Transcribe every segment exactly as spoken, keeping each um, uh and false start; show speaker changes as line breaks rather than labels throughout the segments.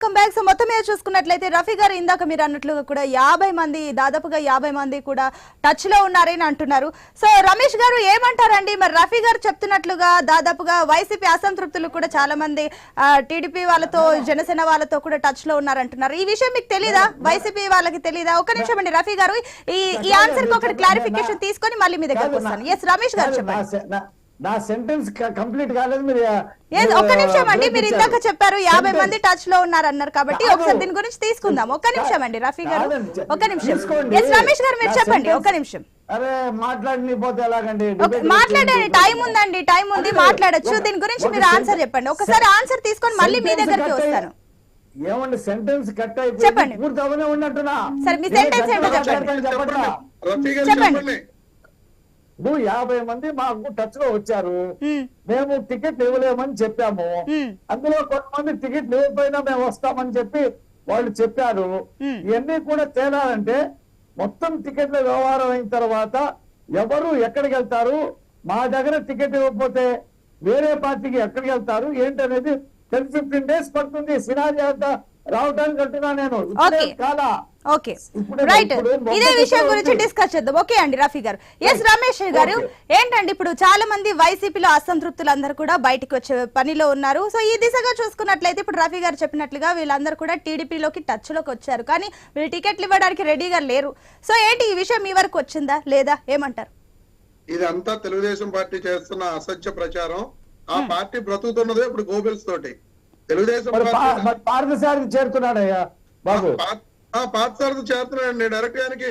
Come back. So మొత్తం మీద చూసుకున్నట్లయితే రఫీ గారు ఇందాక మీరు అన్నట్లుగా కూడా యాభై మంది దాదాపుగా యాభై మంది కూడా టచ్ లో ఉన్నారని అంటున్నారు. సో రమేష్ గారు ఏమంటారండి? మరి రఫీ గారు చెప్తున్నట్లుగా దాదాపుగా వైసీపీ అసంతృప్తులు కూడా చాలా మంది టీడీపీ వాళ్ళతో జనసేన వాళ్ళతో కూడా టచ్ లో ఉన్నారంటున్నారు. ఈ విషయం మీకు తెలీదా? వైసీపీ వాళ్ళకి తెలీదా? ఒక నిమిషం అండి రఫీ గారు, ఈ ఈ ఆన్సర్ కి ఒకటి క్లారిఫికేషన్ తీసుకొని మళ్ళీ మీ దగ్గరకు వస్తాను. ఎస్ రమేష్ గారు చెప్పండి.
నా సెంటెన్స్ కంప్లీట్ కాలేదు. మీరు
ఒక్క నిమిషం అండి, మీరు ఇందాక చెప్పారు యాభై మంది టచ్ లో ఉన్నారు అన్నారు కాబట్టి ఒకసారి దీని గురించి తీసుకుందాం. ఒక్క నిమిషం అండి రఫీ గారు, ఒక్క నిమిషం. ఎస్ రమేష్ గారు మీరు చెప్పండి, ఒక్క నిమిషం.
అరే మాట్లాడని పోతే ఎలాగండి?
మాట్లాడండి, టైం ఉందండి, టైం ఉంది, మాట్లాడొచ్చు. దీని గురించి మీరు ఆన్సర్ చెప్పండి. ఒకసారి ఆన్సర్ తీసుకొని మళ్ళీ మీ దగ్గరికి వస్తాను.
ఏమండి సెంటెన్స్ కట్ అయిపోయి
చెప్పండి.
పూర్తి అవనే ఉన్నట్టున్నా.
సరే మీ సెంటెన్స్ ఏంటో చెప్పండి. చెప్పండి.
నువ్వు యాభై మంది మాకు టచ్ లో వచ్చారు, మేము టికెట్ ఇవ్వలేమని చెప్పాము. అందులో కొంతమంది టికెట్ ఇవ్వకపోయినా మేము వస్తామని చెప్పి వాళ్ళు చెప్పారు. ఇవన్నీ కూడా తేలాలంటే మొత్తం టికెట్ల వ్యవహారం అయిన తర్వాత ఎవరు ఎక్కడికి వెళ్తారు, మా దగ్గర టికెట్ ఇవ్వకపోతే వేరే పార్టీకి ఎక్కడికి వెళ్తారు ఏంటనేది టెన్ ఫిఫ్టీన్ డేస్ పడుతుంది సినారీ అంతా రావడానికి అంటున్నా నేను. కాదా?
ఓకే రైట్, ఇదే విషయం గురించి డిస్కస్ చేద్దాం. ఓకే అండి రఫీ గారు. ఎస్ రమేష్ గారు, ఏంటండి ఇప్పుడు చాలా మంది వైసీపీలో అసంతృప్తులు అందరూ కూడా బయటకు వచ్చే పనిలో ఉన్నారు. సో ఈ దిశగా చూసుకున్నట్లయితే ఇప్పుడు రఫీ గారు చెప్పినట్లుగా వీళ్ళందరూ కూడా టీడీపీలోకి టచ్ లోకి వచ్చారు, కానీ వీళ్ళు టికెట్లు ఇవ్వడానికి రెడీగా లేరు. సో ఏంటి ఈ విషయం మీ వరకు వచ్చిందా లేదా, ఏమంటారు?
ఇదంతా తెలుగుదేశం పార్టీ చేస్తున్న అసత్య ప్రచారం. ఆ పార్టీ బ్రతుకుతున్నదే ఇప్పుడు గోబెల్స్ తోటి. తెలుగుదేశం
పార్థసారథి చేరుతున్నాడయ్యా బాబు,
పార్థసారథి చేరుతున్నాడండి. డైరెక్ట్ గానికి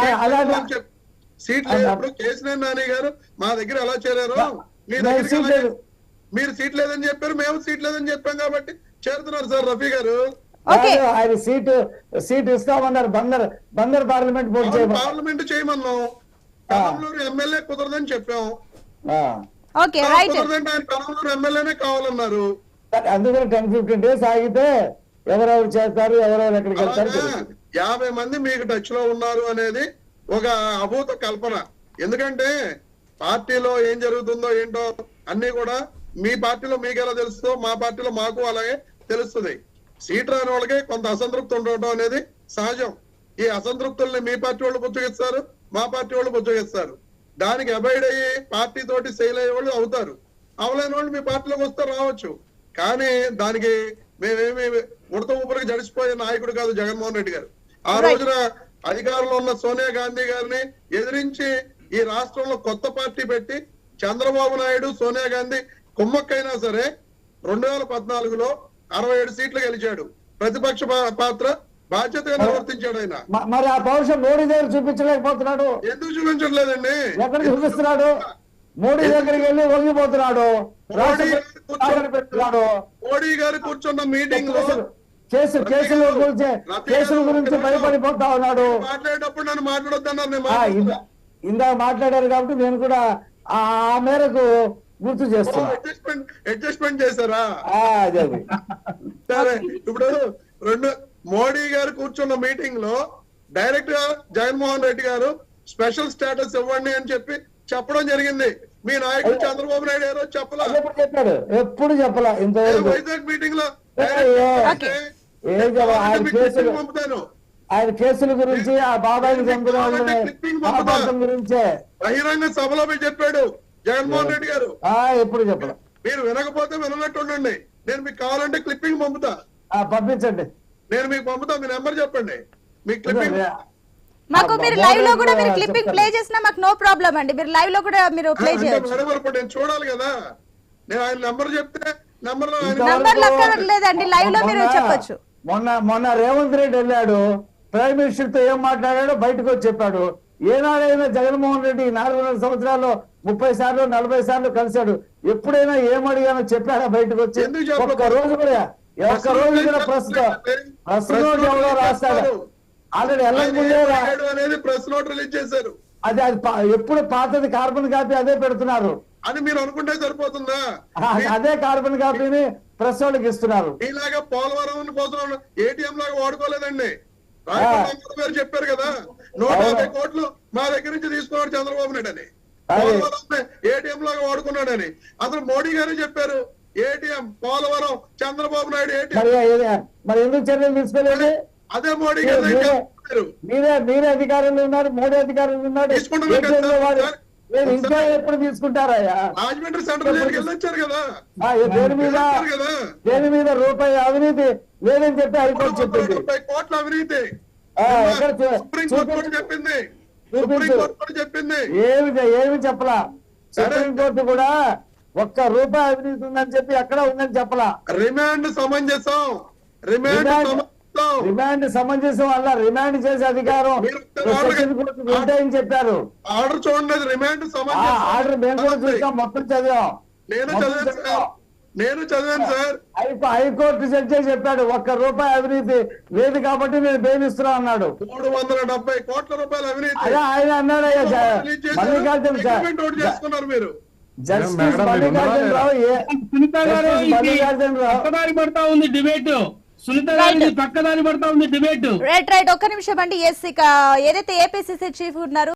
సీట్ లేనప్పుడు కేసీఆర్ నాని గారు మా దగ్గర ఎలా చేరారు, మీ దగ్గర మీరు సీట్ లేదని చెప్పారు, మేము సీట్ లేదని చెప్పాం కాబట్టి చేరుతున్నారు సార్ రఫీ గారు.
ఆయన సీటు సీట్ ఇస్తామన్నారు. బందర్ బందర్ పార్లమెంట్
పార్లమెంట్ చేయమన్నాం. కమలూరు ఎమ్మెల్యే కుదరదని చెప్పాం. కుదరదంటే ఆయన కమలూరు ఎమ్మెల్యేనే కావాలన్నారు.
అందుకని టెన్ ఫిఫ్టీన్ డేస్ ఆగితే ఎవరెవరు చేస్తారు, ఎవరెవరు ఎక్కడికి వెళ్తారు.
యాభై మంది మీకు టచ్ లో ఉన్నారు అనేది ఒక అభూత కల్పన. ఎందుకంటే పార్టీలో ఏం జరుగుతుందో ఏంటో అన్ని కూడా మీ పార్టీలో మీకు ఎలా తెలుస్తుందో మా పార్టీలో మాకు అలాగే తెలుస్తుంది. సీట్ రాని వాళ్ళకి కొంత అసంతృప్తి ఉండటం అనేది సహజం. ఈ అసంతృప్తుల్ని మీ పార్టీ వాళ్ళు బుజ్జగిస్తారు, మా పార్టీ వాళ్ళు బుజ్జగిస్తారు. దానికి అబైడ్ అయ్యి పార్టీ తోటి సెయిల్ అయ్యే వాళ్ళు అవుతారు. అవలేని వాళ్ళు మీ పార్టీలోకి వస్తే రావచ్చు. కానీ దానికి మేమేమి ఉడత ఊపిరికి జడిసిపోయే నాయకుడు కాదు జగన్మోహన్ రెడ్డి గారు. ఆ రోజున అధికారంలో ఉన్న సోనియా గాంధీ గారిని ఎదిరించి ఈ రాష్ట్రంలో కొత్త పార్టీ పెట్టి చంద్రబాబు నాయుడు సోనియా గాంధీ కుమ్మక్కైనా సరే రెండు వేల పద్నాలుగులో అరవై ఏడు సీట్లు గెలిచాడు. ప్రతిపక్ష పాత్ర బాధ్యతగా నిర్వర్తించాడు ఆయన.
మరి ఆ పౌరుషం మోడీ దగ్గర చూపించలేకపోతున్నాడు.
ఎందుకు చూపించట్లేదండి?
ఎక్కడ చూపిస్తున్నాడు? మోడీ దగ్గరికి వెళ్ళి వంగిపోతున్నాడు.
మోడీ గారు కూర్చున్న మీటింగ్ లో
కేసు కేసుల గురించి కేసుల గురించి భయపడిపోతా ఉన్నాడు.
మాట్లాడేటప్పుడు నన్ను మాట్లాడొద్దన్నారు.
ఇందాక మాట్లాడారు కాబట్టి నేను కూడా ఆ మేరకు గుర్తు చేస్తున్నా.
అడ్జస్ట్మెంట్ చేశారా?
అదే
సరే. ఇప్పుడు రెండు మోడీ గారు కూర్చున్న మీటింగ్ లో డైరెక్ట్ గా జగన్మోహన్ రెడ్డి గారు స్పెషల్ స్టేటస్ ఇవ్వండి అని చెప్పి చెప్పడం జరిగింది. మీ నాయకుడు చంద్రబాబు నాయుడు గారు చెప్పలా?
చెప్పాడు, ఎప్పుడు చెప్పలా. ఇంతవరకు
వైజాగ్ మీటింగ్ లో
పంపుతాను ఆయన కేసుల గురించి, ఆ బాబాయిని చంపిన గురించే
బహిరంగ సభలో చెప్పాడు జగన్మోహన్ రెడ్డి గారు.
ఎప్పుడు చెప్పలా.
మీరు వినకపోతే వినట్టు ఉండండి. నేను మీకు కావాలంటే క్లిప్పింగ్ పంపుతా.
పంపించండి,
నేను మీకు పంపుతా. మీ నెంబర్ చెప్పండి. మీ క్లిప్పింగ్
మాకు మీరు లైవ్ లో కూడా మీరు క్లిప్పింగ్ ప్లే చేసినా మాకు నో ప్రాబ్లం అండి. మీరు లైవ్ లో కూడా మీరు ప్లే చేయొచ్చు.
నేను చూడాలి కదా. నేను ఆయన నెంబర్ చెప్తే నెంబర్ లో
నెంబర్ లేదండి, లైవ్ లో మీరు చెప్పొచ్చు.
మొన్న మొన్న రేవంత్ రెడ్డి వెళ్ళాడు, ప్రైమ్ మినిస్టర్ తో ఏం మాట్లాడాడో బయటకు వచ్చి చెప్పాడు. ఏనాడైనా జగన్మోహన్ రెడ్డి నాలుగున్నర సంవత్సరాల్లో ముప్పై సార్లు నలభై సార్లు కలిశాడు. ఎప్పుడైనా ఏమడిగానో చెప్పాడా బయటకు వచ్చి? ఒక్క రోజు కూడా ఒక్క రోజు కూడా ప్రస్తుతం ప్రస్తుతం ఎవరో రాస్తాడు. ఆల్రెడీ
అనేది ప్రెస్ నోట్ రిలీజ్ చేశారు.
అది అది ఎప్పుడు పాతది కార్బన్ కాపీ అదే పెడుతున్నారు
అని మీరు అనుకుంటే సరిపోతుందా?
అదే కార్బన్ కాపీని ప్రెస్ వాళ్ళకి ఇస్తున్నారు.
ఇలాగా పోలవరం కోసం ఏటీఎం లాగా వాడుకోలేదండి. రాజకీయ గారు చెప్పారు కదా, నూట యాభై కోట్లు మా దగ్గర నుంచి తీసుకున్నాడు చంద్రబాబు నాయుడు అని. పోలవరం ఏటీఎం లాగా వాడుకున్నాడని అసలు మోడీ గారు చెప్పారు. ఏటీఎం పోలవరం చంద్రబాబు నాయుడు ఏటీఎం
మరి ఏది- మరి ఎందుకు చర్యలు తీసుకోలేదు?
అదే మోడీ గారు
మీరే-
చెప్పారు.
మీరే మీరే అధికారులు ఉన్నారు, మోడీ అధికారులు ఉన్నారు.
తీసుకుంటున్నారు
ఏ
కదా
చేతిలో వాడు-
సార్?
మీరు ఇంకా ఎప్పుడు తీసుకుంటారయ్యా?
రాజమండ్రి సెంట్రల్ జైలుకి వెళ్ళొచ్చారు కదా
ఆ, ఏ దేని మీద
వెళ్ళొచ్చారు కదా
దేని మీద రూపాయి అవినీతి లేదని చెప్పి హైకోర్టు చెప్పింది.
ముప్పై కోట్ల అవినీతి
ఆ, ఎక్కడ చూ-
సుప్రీం కోర్టు కూడా
చూపించు.
చెప్పింది
చూపించు.
సుప్రీం కోర్టు కూడా చెప్పింది
ఏమి ఏమి చెప్పలా. సుప్రీంకోర్టు కూడా ఒక్క రూపాయి అవినీతి ఉందని చెప్పి ఎక్కడ ఉందని చెప్పలా.
రిమాండ్ సమంజసం రిమాండ్
రిమాండ్-
సమంజసం
రిమాండ్ సమంజసం వల్ల రిమాండ్ చేసే అధికారం
మీరు ఒక్క
సెషన్ కోర్టుకు ఉంటాయని చెప్పారు.
ఆర్డర్ చూడండి అది రిమాండ్
ఆ
సమంజసం
ఆర్డర్ మేము కూడా చూసాం, మొత్తం చదివాం.
నేను
మొత్తం
చదివాను
చదివాం.
సార్ నేను చదివాను సార్
హై- హైకోర్టు జడ్జి చెప్పాడు ఒక్క రూపాయి అవినీతి లేదు కాబట్టి నేను బెయిల్ ఇస్తున్నా అన్నాడు.
మూడు వందల డెబ్బై కోట్ల రూపాయల అవినీతి
అదే ఆయన అన్నాడు అయ్యా జ-
రిలీజ్ చేశారు.
మల్లికార్జున సార్
అగ్రిమెంట్ ఒకటి చేసుకున్నారు మీరు
జస్టిస్
మేడం,
మల్లికార్జున
మీరు
రావు ఏ-
సునీత గారు
జస్టిస్
ఇది
మల్లికార్జున రావు
పక్కదారి పడతా ఉంది డిబేట్. సునీత గారు ఇది పక్కదారి పడతా ఉంది డిబేట్.
రైట్ రైట్ ఒక్క నిమిషం అండి. ఎస్ ఇక ఏదైతే ఏపీసీసీ చీఫ్ ఉన్నారు